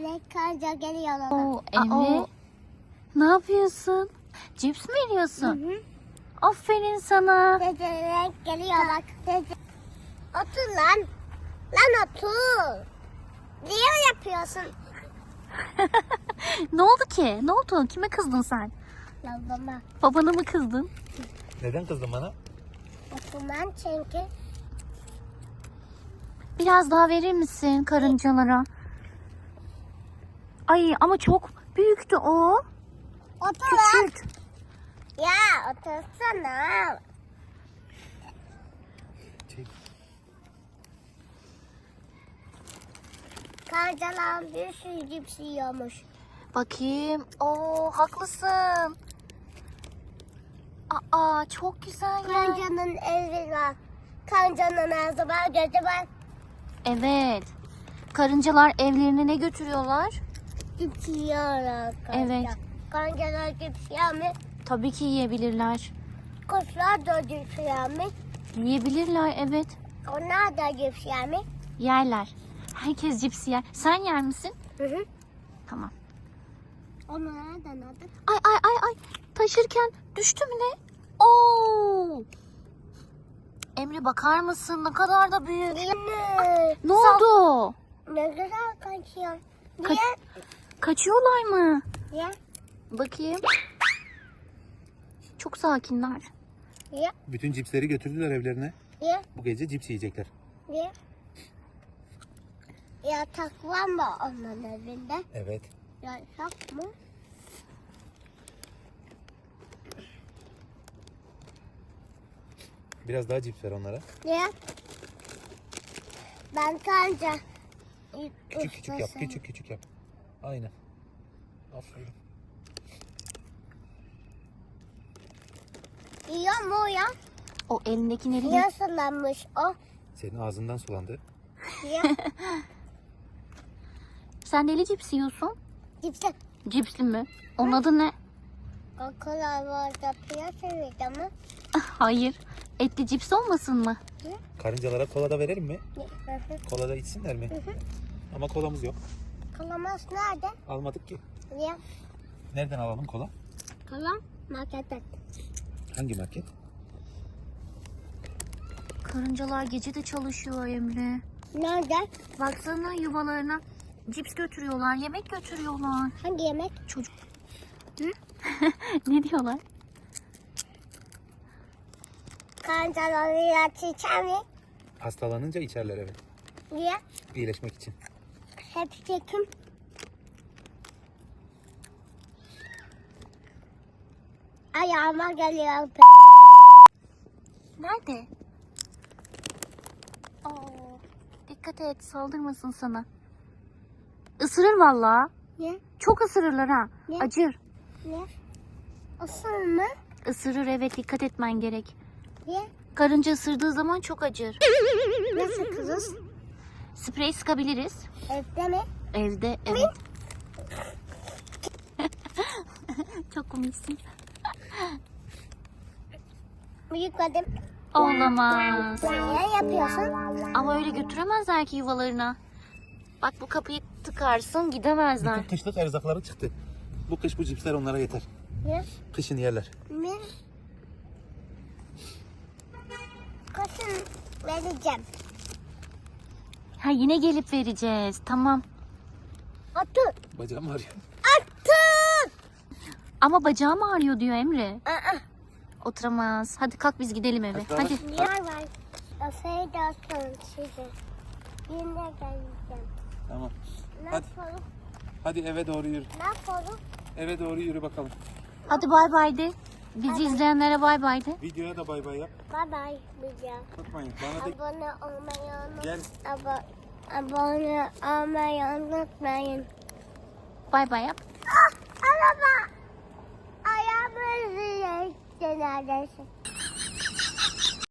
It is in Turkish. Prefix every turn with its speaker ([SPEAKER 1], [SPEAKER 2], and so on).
[SPEAKER 1] Evet, karınca geliyor.
[SPEAKER 2] Oo, Emre. Ne yapıyorsun? Cips mi yiyorsun? Aferin sana.
[SPEAKER 1] Dede geliyor bak. Dede. Otur lan. Lan otur. Niye yapıyorsun?
[SPEAKER 2] Ne oldu ki? Ne oldu? Kime kızdın sen?
[SPEAKER 1] Babama.
[SPEAKER 2] Babana mı kızdın?
[SPEAKER 3] Neden kızdın bana?
[SPEAKER 1] Oturmam çünkü.
[SPEAKER 2] Biraz daha verir misin karıncalara? Ay ama çok büyüktü o.
[SPEAKER 1] Otur lan.
[SPEAKER 2] Küçült.
[SPEAKER 1] Ya otursana.
[SPEAKER 3] Çek.
[SPEAKER 1] Karıncalar bir sürü cips yiyormuş.
[SPEAKER 2] Bakayım. Oo, haklısın. Aa, çok güzel ya.
[SPEAKER 1] Karıncanın evi var. Karıncanın ağzı var, gözü var.
[SPEAKER 2] Evet. Karıncalar evlerine ne götürüyorlar?
[SPEAKER 1] Cips yiyorlar karınca.
[SPEAKER 2] Evet.
[SPEAKER 1] Karıncalar cips yer mi?
[SPEAKER 2] Tabii ki yiyebilirler.
[SPEAKER 1] Kuşlar da cips yer mi?
[SPEAKER 2] Yiyebilirler, evet.
[SPEAKER 1] Onlar da cips yer mi?
[SPEAKER 2] Yerler. Herkes cips yer. Sen yer misin?
[SPEAKER 1] Hı.
[SPEAKER 2] Tamam.
[SPEAKER 1] Onlar da nerede?
[SPEAKER 2] Ay. Taşırken düştü mü ne? Oo! Emre bakar mısın? Ne kadar da büyük. Ne oldu?
[SPEAKER 1] Ne güzel kaçıyor.
[SPEAKER 2] Ka-
[SPEAKER 1] Niye?
[SPEAKER 2] Kaçıyorlar mı?
[SPEAKER 1] Niye?
[SPEAKER 2] Bakayım. Çok sakinler.
[SPEAKER 1] Niye?
[SPEAKER 3] Bütün cipsleri götürdüler evlerine.
[SPEAKER 1] Niye?
[SPEAKER 3] Bu gece cips yiyecekler.
[SPEAKER 1] Niye? Yatak var mı onların evinde?
[SPEAKER 3] Evet.
[SPEAKER 1] Yatak mı?
[SPEAKER 3] Biraz daha cips ver onlara.
[SPEAKER 1] Niye? Ben kanca.
[SPEAKER 3] Küçük yap. Küçük yap. Aynen. Aferin.
[SPEAKER 1] Yiyor mu o ya?
[SPEAKER 2] O elindekileri de...
[SPEAKER 1] Niye sulanmış o?
[SPEAKER 3] Senin ağzından sulandı.
[SPEAKER 1] Niye?
[SPEAKER 2] Sen neli cips yiyorsun?
[SPEAKER 1] Cipsi.
[SPEAKER 2] Cipsli mi? Onun adı ne?
[SPEAKER 1] Kokular var da piyasa mı?
[SPEAKER 2] Hayır. Etli cips olmasın mı?
[SPEAKER 3] Karıncalara kola da verelim mi?
[SPEAKER 1] Hı hı.
[SPEAKER 3] Kola da içsinler mi? Ama kolamız yok.
[SPEAKER 1] Kalamas nerede?
[SPEAKER 3] Almadık ki.
[SPEAKER 1] Niye?
[SPEAKER 3] Nereden alalım kola?
[SPEAKER 1] Kalam marketten.
[SPEAKER 3] Hangi market?
[SPEAKER 2] Karıncalar gece de çalışıyor Emre.
[SPEAKER 1] Nerede?
[SPEAKER 2] Baksana yuvalarına cips götürüyorlar, yemek götürüyorlar.
[SPEAKER 1] Hangi yemek?
[SPEAKER 2] Çocuk. Ne diyorlar?
[SPEAKER 1] Kancaları ilaç içer mi?
[SPEAKER 3] Hastalanınca içerler, evet.
[SPEAKER 1] Niye?
[SPEAKER 3] İyileşmek için.
[SPEAKER 1] Hepsi kim? Ayağıma geliyor.
[SPEAKER 2] Nerede? Aa, dikkat et, saldırmasın sana. Isırır vallahi.
[SPEAKER 1] Niye?
[SPEAKER 2] Çok ısırırlar ha.
[SPEAKER 1] Ne?
[SPEAKER 2] Acır.
[SPEAKER 1] Niye? Isır mı?
[SPEAKER 2] Isırır, evet, dikkat etmen gerek.
[SPEAKER 1] Niye?
[SPEAKER 2] Karınca ısırdığı zaman çok acır.
[SPEAKER 1] Nasıl kızız?
[SPEAKER 2] Sprey sıkabiliriz.
[SPEAKER 1] Evde mi?
[SPEAKER 2] Evde, evet. Çok komiksin.
[SPEAKER 1] Yıkadım.
[SPEAKER 2] Olamaz.
[SPEAKER 1] Niye yapıyorsun?
[SPEAKER 2] Ama öyle götüremezler ki yuvalarına. Bak bu kapıyı tıkarsın, gidemezler.
[SPEAKER 3] Bütün kışlık erzakları çıktı. Bu kış bu cipsler onlara yeter.
[SPEAKER 1] Niye?
[SPEAKER 3] Kışın yerler.
[SPEAKER 1] Niye? Kışın vereceğim.
[SPEAKER 2] Ha, yine gelip vereceğiz. Tamam.
[SPEAKER 1] Otur.
[SPEAKER 3] Bacağım ağrıyor.
[SPEAKER 1] Otur.
[SPEAKER 2] Ama bacağım ağrıyor diyor Emre.
[SPEAKER 1] Aa.
[SPEAKER 2] Oturamaz. Hadi kalk biz gidelim eve.
[SPEAKER 3] Hadi.
[SPEAKER 2] Hadi.
[SPEAKER 1] Niye var? Afiyet olsun size. Yine geleceğim.
[SPEAKER 3] Tamam.
[SPEAKER 1] Ne
[SPEAKER 3] Hadi.
[SPEAKER 1] yapalım?
[SPEAKER 3] Hadi eve doğru yürü.
[SPEAKER 1] Ne yapalım?
[SPEAKER 3] Eve doğru yürü bakalım.
[SPEAKER 2] Hadi bay bay de. Bizi izleyenlere bay bay de.
[SPEAKER 3] Videoya da bay bay yap.
[SPEAKER 1] Bye bye. Bileceğim.
[SPEAKER 3] Unutmayın. Bana da
[SPEAKER 1] Abone olmayı unutmayın.
[SPEAKER 3] gel.
[SPEAKER 1] Abone olmayı unutmayın.
[SPEAKER 2] Bay bay yap.
[SPEAKER 1] Araba. Ayağımı üzüyor. Neredeyse.